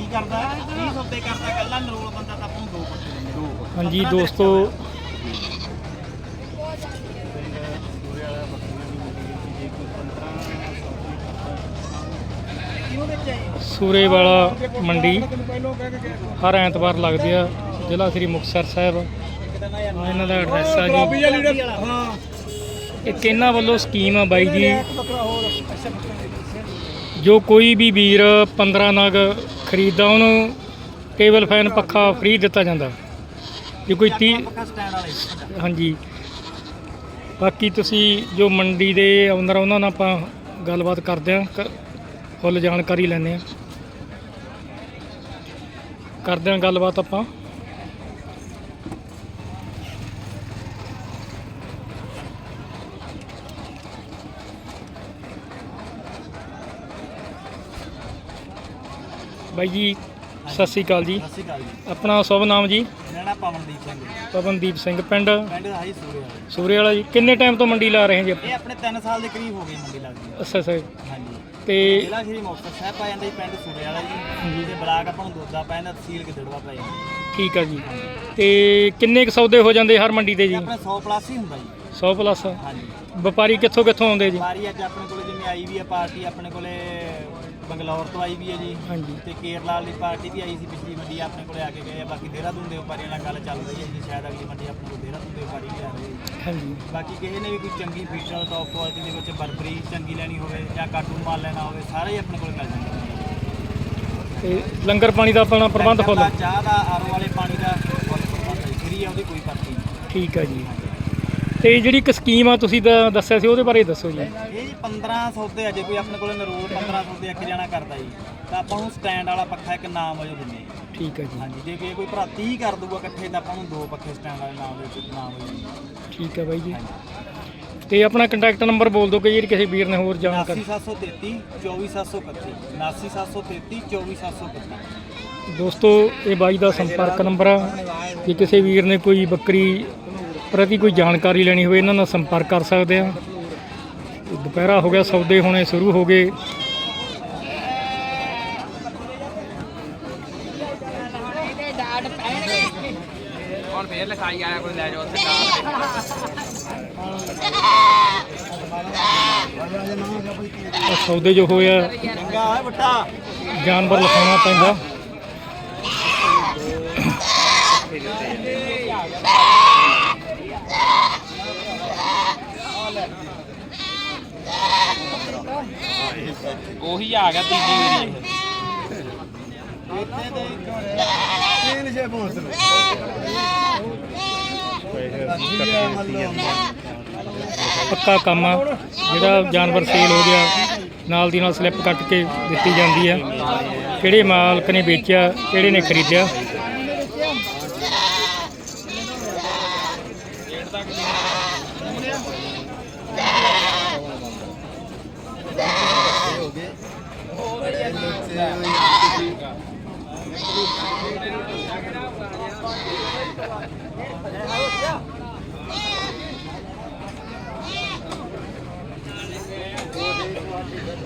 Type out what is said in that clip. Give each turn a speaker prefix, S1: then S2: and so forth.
S1: करता 30 सौदे करता कल्ला नरोल बंदा तां आपां नूं 2 पक्के दिंदे।
S2: हाँ जी दोस्तों सूरे वाला मंडी हर ऐतवार लगती है, जिला श्री मुक्तसर साहब। इन्हां दा एड्रैस है जी, एक इन्हां वालों स्कीम है बाई जी, जो कोई भी वीर 15 नग खरीददा उन्होंने टेबल फैन पक्खा फ्री दिता जाता। जो कोई 30 हाँ जी, बाकी तुसी जो मंडी के ओनर उन्होंने आपां गलबात करते हैं, फुल जानकारी लैने करते हैं गलबात आपां। बाई जी सत श्री अकाल जी।
S1: सत श्री अकाल जी।
S2: अपना शुभ नाम जी?
S1: मेरा नाम पवनदीप सिंह।
S2: पवनदीप सिंह। पिंड
S1: पिंड है सूरे वाला।
S2: सूरे वाला जी। किन्ने टाइम तो मंडी ला रहे हैं जी?
S1: ये अपने 3 साल के करीब हो गए मंडी लगदी।
S2: अच्छा सर।
S1: हाँ जी।
S2: ਤੇ
S1: ਜ਼ਿਲ੍ਹਾ ਸ਼੍ਰੀ ਮੁਕਤਸਰ ਸਾਹਿਬ ਪੈ ਜਾਂਦਾ ਜੀ, ਪਿੰਡ ਸੂਰੇ ਵਾਲਾ ਜੀ, ਤੇ ਬਲਾਕ ਆਪਾਂ ਨੂੰ ਦੋਦਾ ਪੈ ਜਾਂਦਾ, ਤਹਿਸੀਲ ਗਿੱਦੜਵਾ ਪੈ ਜਾਂਦਾ।
S2: ਠੀਕ ਆ ਜੀ। ਤੇ ਕਿੰਨੇ ਕੁ ਸੌਦੇ ਹੋ ਜਾਂਦੇ ਹਰ ਮੰਡੀ ਤੇ ਜੀ?
S1: ਆਪਣੇ 100 ਪਲੱਸ ਹੀ ਹੁੰਦਾ ਜੀ।
S2: 100 ਪਲੱਸ।
S1: ਹਾਂਜੀ।
S2: ਵਪਾਰੀ ਕਿੱਥੋਂ ਕਿੱਥੋਂ ਆਉਂਦੇ ਜੀ?
S1: ਵਪਾਰੀ ਅੱਜ ਆਪਣੇ ਕੋਲ ਜਿਵੇਂ ਆਈ ਵੀ ਆ ਪਾਰਟੀ, ਆਪਣੇ ਕੋਲੇ ਬੰਗਲੌਰ ਤੋਂ ਆਈ ਵੀ ਹੈ ਜੀ।
S2: ਹਾਂਜੀ।
S1: ਤੇ ਕੇਰਲਾ ਵਾਲੀ ਪਾਰਟੀ ਵੀ ਆਈ ਸੀ ਪਿਛਲੀ ਮੰਡੀ, ਆਪਣੇ ਕੋਲੇ ਆ ਕੇ ਗਏ ਆ। ਬਾਕੀ ਦੇਹਰਾਦੂਨ ਦੇ ਵਪਾਰੀਆਂ ਨਾਲ ਗੱਲ ਚੱਲ ਰਹੀ ਹੈ ਜੀ, ਸ਼ਾਇਦ ਅਗਲੀ ਮੰਡੀ ਆਪਣੇ ਕੋਲ ਦੇਹਰਾਦੂਨ ਦੇ ਵਪਾਰੀ ਵੀ ਆ ਰਹੇ।
S2: ਹਾਂਜੀ।
S1: ਬਾਕੀ ਕਿਸੇ ਨੇ ਵੀ ਕੋਈ ਚੰਗੀ ਫੀਚਰ ਟੌਪ ਕੁਆਲਿਟੀ ਦੇ ਵਿੱਚ ਬਰਬਰੀ ਚੰਗੀ ਲੈਣੀ ਹੋਵੇ ਜਾਂ ਕਾਟੂ ਮਾਲ ਲੈਣਾ ਹੋਵੇ, ਸਾਰੇ ਹੀ ਆਪਣੇ ਕੋਲ ਮਿਲ ਜਾਂਦੇ।
S2: ਤੇ ਲੰਗਰ ਪਾਣੀ ਦਾ ਆਪਣਾ ਪ੍ਰਬੰਧ ਫੁੱਲ?
S1: ਚਾਹ ਦਾ, ਆਰੋ ਵਾਲੇ ਪਾਣੀ ਦਾ ਫੁੱਲ ਪ੍ਰਬੰਧ ਹੈ, ਫਰੀ ਆ, ਉਹਦੀ ਕੋਈ ਪਰਚੀ ਨਹੀਂ।
S2: ਠੀਕ ਆ ਜੀ। ਤੇ ਜਿਹੜੀ ਇੱਕ ਸਕੀਮ ਆ ਤੁਸੀਂ ਦੱਸਿਆ ਸੀ, ਉਹਦੇ ਬਾਰੇ ਦੱਸੋ ਜੀ।
S1: ਇਹ ਜੀ 15 ਸੌਦੇ ਆ, ਜੇ ਕੋਈ ਆਪਣੇ ਕੋਲ ਨਰੂਲ 15 ਸੌਦੇ ਇੱਕ ਜਣਾ ਕਰਦਾ ਜੀ, ਤਾਂ ਆਪਾਂ ਨੂੰ ਸਟੈਂਡ ਵਾਲਾ ਪੱਖਾ ਇੱਕ ਨਾਮ ਵਜੋਂ ਦਿੰਦੇ ਹਾਂ।
S2: ਠੀਕ ਹੈ ਜੀ।
S1: ਹਾਂਜੀ, ਜੇ ਕੋਈ ਭਰਾ 30 ਕਰ ਦੂਗਾ ਇਕੱਠੇ, ਤਾਂ ਆਪਾਂ ਨੂੰ 2 ਪੱਖੇ ਸਟੈਂਡ ਵਾਲੇ ਨਾਮ ਵਜੋਂ ਦਿੰਦੇ।
S2: ਠੀਕ ਹੈ ਬਾਈ ਜੀ। ਤੇ ਆਪਣਾ ਕੰਟੈਕਟ ਨੰਬਰ ਬੋਲ ਦਿਓ ਕਿ ਜਿਹੜੀ ਕਿਸੇ ਵੀਰ ਨੇ ਹੋਰ ਜਾਣਕਾਰੀ।
S1: 79733 24731 79733 24731।
S2: ਦੋਸਤੋ ਇਹ ਬਾਈ ਦਾ ਸੰਪਰਕ ਨੰਬਰ ਆ, ਜੇ ਕਿਸੇ ਵੀਰ ਨੇ ਕੋਈ ਬੱਕਰੀ ਪ੍ਰਤੀ ਕੋਈ ਜਾਣਕਾਰੀ ਲੈਣੀ ਹੋਵੇ ਇਹਨਾਂ ਨਾਲ ਸੰਪਰਕ ਕਰ ਸਕਦੇ ਆ। ਦੁਪਹਿਰਾ ਹੋ ਗਿਆ, ਸੌਦੇ ਹੋਣੇ ਸ਼ੁਰੂ ਹੋ ਗਏ।
S3: ਹੁਣ ਫੇਰ ਲਿਖਾਈ ਆਇਆ ਕੋਈ ਲੈ ਜਾਓ ਉੱਥੇ
S2: ਸੌਦੇ ਜੋ ਹੋਇਆ
S1: ਚੰਗਾ ਹੈ ਬੱਟਾ,
S2: ਜਾਨਵਰ ਲਿਖਾਉਣਾ ਪੈਂਦਾ।
S3: ਉਹੀ ਆ ਗਿਆ ਤੀਜੀ ਵਾਰੀ
S2: ਪੱਕਾ ਕੰਮ ਆ। ਜਿਹੜਾ ਜਾਨਵਰ ਸੇਲ ਹੋ ਗਿਆ ਨਾਲ ਦੀ ਨਾਲ ਸਲਿੱਪ ਕੱਟ ਕੇ ਦਿੱਤੀ ਜਾਂਦੀ ਆ, ਕਿਹੜੇ ਮਾਲਕ ਨੇ ਵੇਚਿਆ, ਕਿਹੜੇ ਨੇ ਖਰੀਦਿਆ।